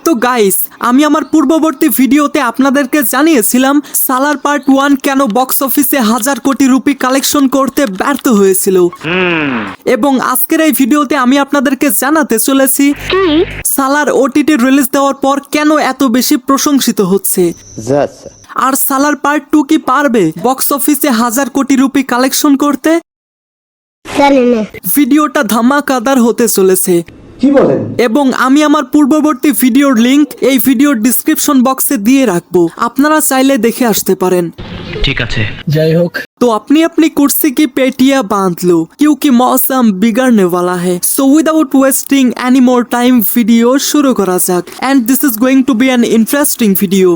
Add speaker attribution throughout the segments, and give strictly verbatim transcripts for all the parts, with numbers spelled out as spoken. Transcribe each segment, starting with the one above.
Speaker 1: তো গাইস, আমি আমার পূর্ববর্তী ভিডিওতে আপনাদেরকে জানিয়েছিলাম সালার পার্ট ওয়ান কেন বক্স অফিসে হাজার কোটি রুপি কালেকশন করতে ব্যর্থ হয়েছিল, এবং আজকের এই ভিডিওতে আমি আপনাদেরকে জানাতে চলেছি সালার ওটিটি রিলিজ দেওয়ার পর কেন এত বেশি প্রশংসিত হচ্ছে। আর সালার পার্ট টু কি পারবে বক্স অফিসে হাজার কোটি রুপি কালেকশন করতে? ভিডিওটা ধামাকাদার হতে চলেছে।
Speaker 2: কি বলেন?
Speaker 1: এবং আমি আমার পূর্ববর্তী ভিডিওর লিংক এই ভিডিওর ডিসক্রিপশন বক্সে দিয়ে রাখবো, আপনারা চাইলে দেখে আসতে পারেন।
Speaker 3: ঠিক আছে,
Speaker 2: যাই হোক,
Speaker 1: तो अपनी अपनी कुर्सी की पेटियां बांध लो क्योंकि मौसम बिगड़ने वाला है। So without wasting any more time video शुरू करा जाक, and this is going to be an interesting video.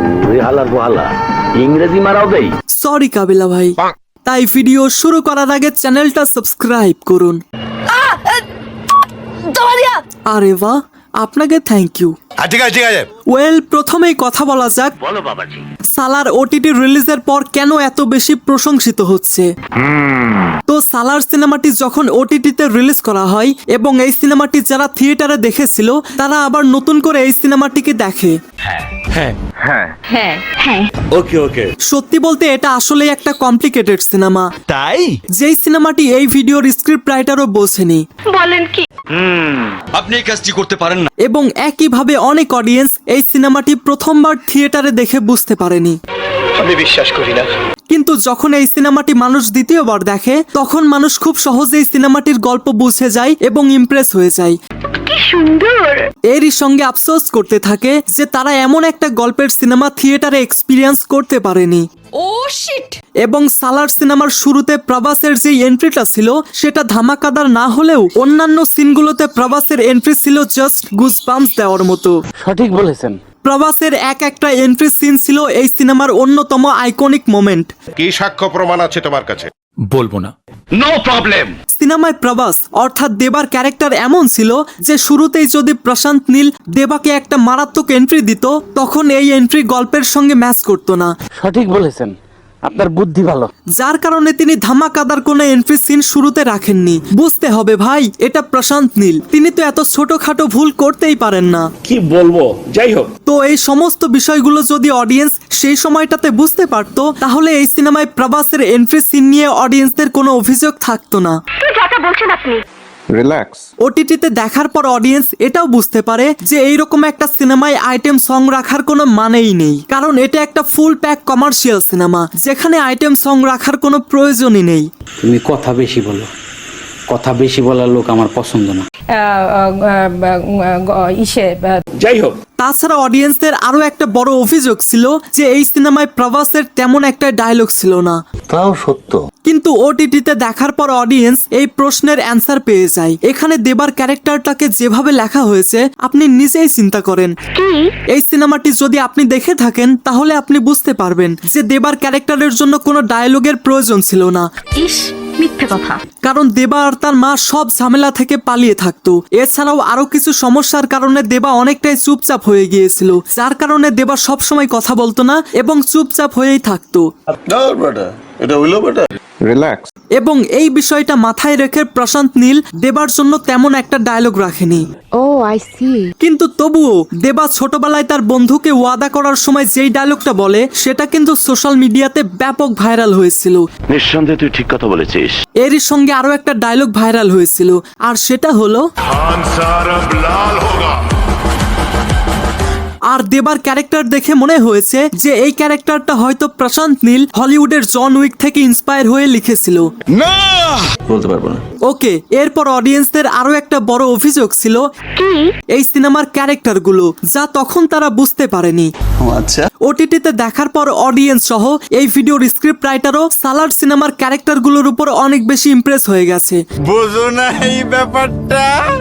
Speaker 3: ইংরেজি মারাও দেই।
Speaker 1: সরি কাবিলা ভাই, তাই ভিডিও শুরু করার আগে চ্যানেলটা সাবস্ক্রাইব করুন। আরে বাহ, আপনাকে থ্যাংক ইউ।
Speaker 4: ঠিক আছে ঠিক আছে
Speaker 1: ওয়েল, প্রথমেই কথা বলা যাক
Speaker 3: বলো বাবাজি।
Speaker 1: সালার ওটিটি রিলিজের পর কেন এত বেশি প্রশংসিত হচ্ছে। তো সালার সিনেমাটি যখন ওটিটিতে রিলিজ করা হয় এবং এই সিনেমাটি যারা থিয়েটারে দেখেছিল তারা আবার নতুন করে এই সিনেমাটিকে দেখে।
Speaker 4: হ্যাঁ
Speaker 3: হ্যাঁ হ্যাঁ
Speaker 4: ওকে ওকে
Speaker 1: সত্যি বলতে এটা আসলেই একটা কমপ্লিকেটেড সিনেমা,
Speaker 4: তাই
Speaker 1: যেই সিনেমাটি এই ভিডিওর স্ক্রিপ্ট রাইটারও বোঝেনি।
Speaker 3: বলেন কি?
Speaker 4: আপনি এই কাজটি করতে পারেন না।
Speaker 1: এবং একইভাবে অনেক অডিয়েন্স এই সিনেমাটি প্রথমবার থিয়েটারে দেখে বুঝতে পারেনি।
Speaker 4: আমি বিশ্বাস করি না।
Speaker 1: কিন্তু যখন এই সিনেমাটি মানুষ দ্বিতীয়বার দেখে তখন মানুষ খুব সহজেই সিনেমাটির গল্প বুঝে যায় এবং ইমপ্রেস হয়ে যায়।
Speaker 3: কি সুন্দর।
Speaker 1: এরই সঙ্গে আফসোস করতে থাকে যে তারা এমন একটা গল্পের সিনেমা থিয়েটারে এক্সপিরিয়েন্স করতে পারেনি।
Speaker 5: Oh shit.
Speaker 1: এবং সালার সিনেমার শুরুতে প্রভাসের যে এন্ট্রিটা ছিল সেটা ধামাকাদার না হলেও অন্যান্য সিনগুলোতে প্রভাসের এন্ট্রি ছিল জাস্ট গুজবাম্পস দেওয়ার মতো।
Speaker 2: সঠিক বলেছেন।
Speaker 1: প্রভাসের এক একটা এন্ট্রি সিন ছিল এই সিনেমার অন্যতম আইকনিক মোমেন্ট।
Speaker 6: কি সাক্ষ্য প্রমাণ আছে তোমার কাছে?
Speaker 4: বলবো না।
Speaker 3: No problem.
Speaker 1: সিনেমায় প্রভাস অর্থাৎ দেবার ক্যারেক্টার এমন ছিল যে শুরুতেই যদি প্রশান্ত নীল দেবাকে একটা মারাত্মক এন্ট্রি দিত তখন এই এন্ট্রি গল্পের সঙ্গে ম্যাচ করতো না।
Speaker 2: সঠিক বলেছেন, আপনার বুদ্ধি ভালো।
Speaker 1: যার কারণে তিনি ধামাকাদার কোনো এন্ট্রি সিন শুরুতে রাখেননি। বুঝতে হবে ভাই, এটা প্রশান্ত নীল, তিনি তো এত ছোটখাটো ভুল করতেই পারেন না।
Speaker 6: কি বলবো, যাই হোক।
Speaker 1: তো এই সমস্ত বিষয়গুলো যদি অডিয়েন্স সেই সময়টাতে বুঝতে পারতো তাহলে এই সিনেমায় প্রভাসের এন্ট্রি সিন নিয়ে অডিয়েন্সদের কোনো অভিযোগ থাকতো না।
Speaker 3: কি যাতা বলছেন আপনি?
Speaker 7: রিল্যাক্স।
Speaker 1: ওটিটিতে দেখার পর অডিয়েন্স এটাও বুঝতে পারে যে এইরকম একটা সিনেমায় আইটেম সং রাখার কোনো মানেই নেই, কারণ এটা একটা ফুল প্যাক কমার্শিয়াল সিনেমা যেখানে আইটেম সং রাখার কোনো প্রয়োজনই নেই।
Speaker 2: তুমি কথা বেশি বলো, কথা বেশি বলার লোক আমার পছন্দ না।
Speaker 5: ইসে
Speaker 6: যাই হোক,
Speaker 1: তাছাড়া অডিয়েন্সদের আরো একটা বড় অভিযোগ ছিল যে এই সিনেমায় প্রভাসের তেমন একটা ডায়লগ ছিল না।
Speaker 7: তাও সত্য।
Speaker 1: কিন্তু ওটিটিতে দেখার পর অডিয়েন্স এই প্রশ্নের অ্যান্সার পেয়ে যায়। এখানে দেবার ক্যারেক্টারটাকে যেভাবে লেখা হয়েছে আপনি নিজেই চিন্তা করেন। এই সিনেমাটি যদি আপনি দেখে থাকেন তাহলে আপনি বুঝতে পারবেন যে দেবার ক্যারেক্টারের জন্য কোনো ডায়লগের প্রয়োজন ছিল না।
Speaker 3: ইস, মিথ্যে কথা।
Speaker 1: কারণ দেবা আর তার মা সব ঝামেলা থেকে পালিয়ে থাকতো। এছাড়াও আরো কিছু সমস্যার কারণে দেবা অনেকটাই চুপচাপ হয়ে গিয়েছিল, যার কারণে দেবা সবসময় কথা বলতো না এবং চুপচাপ হয়েই থাকতো।
Speaker 6: এটা হইলো বেটা।
Speaker 7: রিল্যাক্স।
Speaker 1: এবং এই বিষয়টা মাথায় রেখে প্রশান্ত নীল দেবার জন্য তেমন একটা ডায়লগ রাখেনি।
Speaker 5: Oh I see.
Speaker 1: কিন্তু তবুও দেবা ছোটবেলায় তার বন্ধুকে ওয়াদা করার সময় যেই ডায়লগটা বলে সেটা কিন্তু সোশ্যাল মিডিয়াতে ব্যাপক ভাইরাল হয়েছিল।
Speaker 3: নিঃসন্দেহে তুই ঠিক কথা বলেছিস।
Speaker 1: এরই সঙ্গে আরো একটা ডায়লগ ভাইরাল হয়েছিল, আর সেটা হলো
Speaker 6: খান সার আব লাল হোগা।
Speaker 1: আর দেবার ক্যারেক্টার দেখে মনে হয়েছে যে এই ক্যারেক্টারটা হয়তো প্রশান্ত নীল হলিউডের জন উইক থেকে ইন্সপায়ার হয়ে লিখেছিল।
Speaker 6: না,
Speaker 7: বলতে পারবো না।
Speaker 1: ওকে, এরপর অডিয়েন্সদের আরো একটা বড় অভিযোগ ছিল এই সিনেমার ক্যারেক্টারগুলো, যা তখন তারা বুঝতে পারেনি।
Speaker 7: আচ্ছা।
Speaker 1: ওটিটিতে দেখার পর অডিয়েন্স সহ এই ভিডিওর স্ক্রিপ্ট রাইটারও সালার সিনেমার ক্যারেক্টারগুলোর উপর অনেক বেশি ইমপ্রেস হয়ে গেছে।
Speaker 6: বুঝো না এই ব্যাপারটা।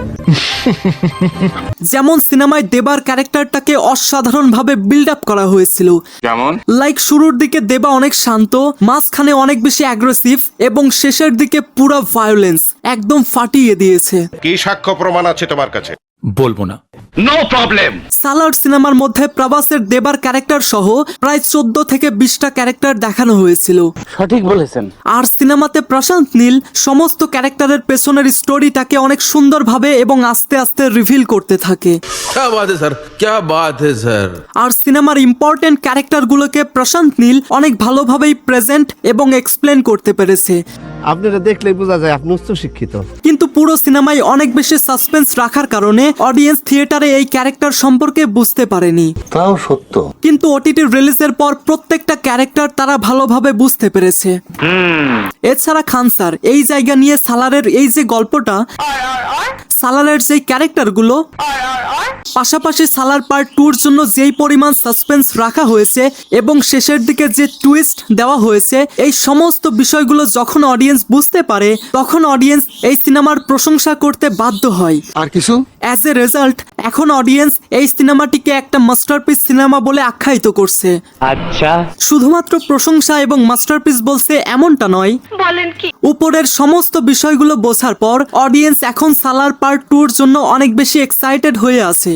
Speaker 1: যেমন সিনেমায় দেবার ক্যারেক্টারটাকে অসাধারণ ভাবে বিল্ড আপ করা হয়েছিল।
Speaker 6: কেমন?
Speaker 1: লাইক শুরুর দিকে দেবা অনেক শান্ত, মাঝখানে অনেক বেশি অ্যাগ্রেসিভ এবং শেষের দিকে পুরো ভায়োলেন্স একদম ফাটিয়ে দিয়েছে।
Speaker 6: কি সাক্ষ্য প্রমাণ আছে তোমার কাছে?
Speaker 4: বলবো না।
Speaker 3: No problem.
Speaker 1: সালার সিনেমার মধ্যে প্রভাসের দেবার ক্যারেক্টার সহ প্রায় চোদ্দ থেকে বিশটা ক্যারেক্টার দেখানো হয়েছিল।
Speaker 2: সঠিক বলেছেন।
Speaker 1: আর সিনেমাতে প্রশান্ত নীল সমস্ত ক্যারেক্টারের পেছনের স্টোরিটাকে অনেক সুন্দরভাবে এবং আস্তে আস্তে রিভিল করতে থাকে।
Speaker 8: क्या बात है सर, क्या बात है सर।
Speaker 1: আর সিনেমার ইম্পর্টেন্ট ক্যারেক্টারগুলোকে প্রশান্ত নীল অনেক ভালোভাবেই প্রেজেন্ট এবং এক্সপ্লেন করতে পেরেছে।
Speaker 9: আপনারা দেখলেই বোঝা যায় আপনি উচ্চ শিক্ষিত।
Speaker 1: কিন্তু পুরো সিনেমায় অনেক বেশি সাসপেন্স রাখার কারণে অডিয়েন্স থিয়েটারে এই ক্যারেক্টার সম্পর্কে বুঝতে পারেনি।
Speaker 7: তাও সত্য।
Speaker 1: কিন্তু ওটিটি রিলিজের পর প্রত্যেকটা ক্যারেক্টার তারা ভালোভাবে বুঝতে পেরেছে। এছাড়া খান স্যার এই জায়গা নিয়ে সালারের এই যে গল্পটা, সালারের যে ক্যারেক্টারগুলো, পাশাপাশি সালার পার্ট টুর জন্য যেই পরিমাণ সাসপেন্স রাখা হয়েছে এবং শেষের দিকে যে টুইস্ট দেওয়া হয়েছে, এই সমস্ত বিষয়গুলো যখন অডিয়েন্স বুঝতে পারে তখন অডিয়েন্স এই সিনেমার প্রশংসা করতে বাধ্য হয়।
Speaker 9: আর কিছু
Speaker 1: অ্যাজ এ রেজাল্ট এখন অডিয়েন্স এই সিনেমাটিকে একটা মাস্টারপিস সিনেমা বলে আখ্যায়িত করছে।
Speaker 2: আচ্ছা,
Speaker 1: শুধুমাত্র প্রশংসা এবং মাস্টারপিস বলছে এমনটা নয়,
Speaker 3: বলেন কি?
Speaker 1: উপরের সমস্ত বিষয়গুলো বোঝার পর অডিয়েন্স এখন সালার পার্ট টুর জন্য অনেক বেশি এক্সাইটেড হয়ে আছে।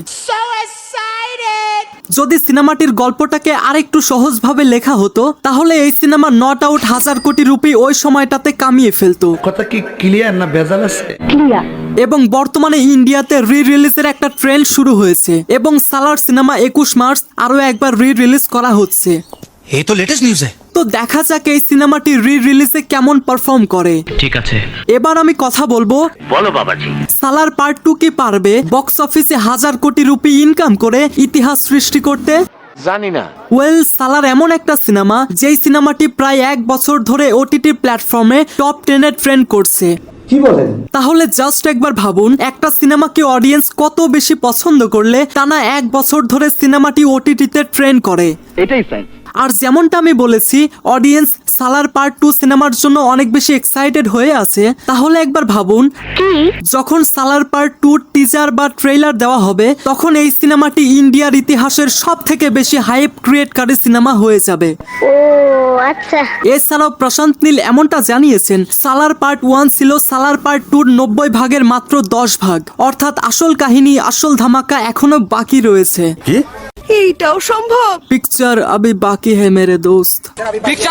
Speaker 1: যদি সিনেমাটির গল্পটাকে আরেকটু সহজভাবে লেখা হতো তাহলে এই সিনেমা নট আউট হাজার কোটি রুপি ওই সময়টাতে কামিয়ে ফেলতো।
Speaker 9: কথা কি ক্লিয়ার না ভেজাল আছে?
Speaker 3: ক্লিয়ার।
Speaker 1: এবং বর্তমানে ইন্ডিয়াতে রি রিলিজের একটা ট্রেন্ড শুরু হয়েছে এবং সালার সিনেমা একুশ মার্চ আরো একবার রি রিলিজ করা হচ্ছে।
Speaker 4: এই তো লেটেস্ট নিউজ।
Speaker 1: তো দেখা যাক এই সিনেমাটি রি রিলিজে কেমন পারফর্ম করে।
Speaker 4: ঠিক আছে,
Speaker 1: এবার আমি কথা বলবো,
Speaker 3: বলো বাবাজি।
Speaker 1: সালার পার্ট টু কি পারবে বক্স অফিসে হাজার কোটি রুপি ইনকাম করে ইতিহাস সৃষ্টি করতে?
Speaker 9: জানি না।
Speaker 1: ওয়েল, সালার এমন একটা সিনেমা যেই সিনেমাটি প্রায় এক বছর ধরে ওটিটি প্ল্যাটফর্মে টপ টেনে ট্রেন্ড করছে।
Speaker 9: কি বলেন?
Speaker 1: তাহলে জাস্ট একবার ভাবুন, একটা সিনেমাকে অডিয়েন্স কত বেশি পছন্দ করলে টানা এক বছর ধরে সিনেমাটি ওটিটিতে ট্রেন্ড করে।
Speaker 2: এটাই ফ্যান।
Speaker 1: আর যেমনটা আমি বলেছি, অডিয়েন্স সালার পার্ট টু সিনেমার জন্য অনেক বেশি এক্সাইটেড হয়ে আছে। তাহলে একবার ভাবুন, যখন সালার পার্ট টু টিজার বা ট্রেইলার দেওয়া হবে তখন এই সিনেমাটি ইন্ডিয়ার ইতিহাসের সব থেকে বেশি হাইপ ক্রিয়েটকারী সিনেমা হয়ে যাবে।
Speaker 3: ও আচ্ছা।
Speaker 1: এছাড়াও প্রশান্ত নীল এমনটা জানিয়েছেন, সালার পার্ট ওয়ান ছিল সালার পার্ট টুর নব্বই ভাগের মাত্র দশ ভাগ, অর্থাৎ আসল কাহিনী, আসল ধামাকা এখনো বাকি রয়েছে।
Speaker 5: এইটাও সম্ভব?
Speaker 1: পিকচার আবি বাকি হ্যায় মেরে দোস্ত।
Speaker 6: पिक्चर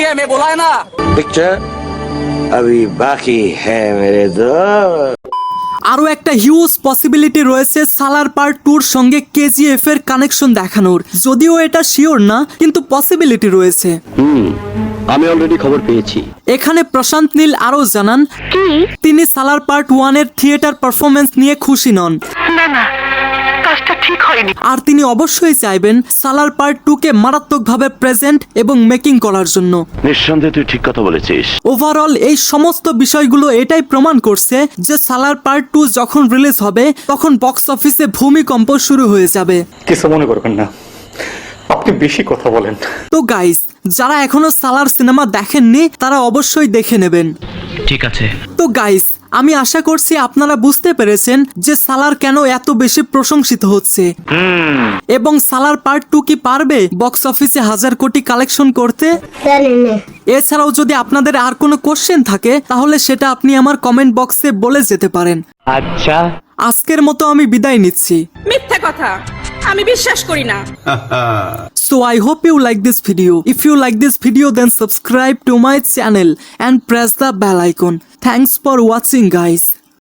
Speaker 6: अभी बाकी है मेरे दोस्त।
Speaker 1: আরো একটা হিউজ পসিবিলিটি রয়েছে সালার পার্ট টুর সঙ্গে কেজিএফ এর কানেকশন দেখানোর। যদিও এটা শিওর না, কিন্তু পসিবিলিটি রয়েছে।
Speaker 2: আমি অলরেডি খবর পেয়েছি।
Speaker 1: এখানে প্রশান্ত নীল আরো জানান তিনি সালার পার্ট ওয়ান এর থিয়েটার পারফরমেন্স নিয়ে খুশি নন।
Speaker 3: না না, কাজটা ঠিক হয়নি।
Speaker 1: আর তিনি অবশ্যই চাইবেন সালার পার্ট টু কে মারাত্মকভাবে প্রেজেন্ট এবং মেকিং করার জন্য।
Speaker 3: নিঃসন্দেহে তুই ঠিক কথা বলেছিস।
Speaker 1: ওভারঅল এই সমস্ত বিষয়গুলো এটাই প্রমাণ করছে যে সালার পার্ট টু যখন রিলিজ হবে তখন বক্স অফিসে ভূমিকম্প শুরু হয়ে যাবে।
Speaker 7: কিছু মনে করবেন না, আপনি বেশি কথা বলেন।
Speaker 1: তো গাইস, যারা এখনো সালার সিনেমা দেখেননি তারা অবশ্যই দেখে নেবেন।
Speaker 4: ঠিক আছে।
Speaker 1: তো গাইস, আমি আশা করছি আপনারা বুঝতে পেরেছেন যে সালার কেন এত বেশি প্রশংসিত হচ্ছে এবং সালার পার্ট টু কি পারবে বক্স অফিসে হাজার কোটি কালেকশন করতে। এছাড়াও যদি আপনাদের আর কোনো কোশ্চেন থাকে তাহলে সেটা আপনি আমার কমেন্ট বক্সে বলে যেতে পারেন।
Speaker 2: আচ্ছা,
Speaker 1: আজকের মতো আমি বিদায় নিচ্ছি।
Speaker 5: মিথ্যা কথা, আমি বিশ্বাস করি না।
Speaker 1: So I hope you like this video. If you like this video, then subscribe to my channel and press the bell icon. Thanks for watching, guys.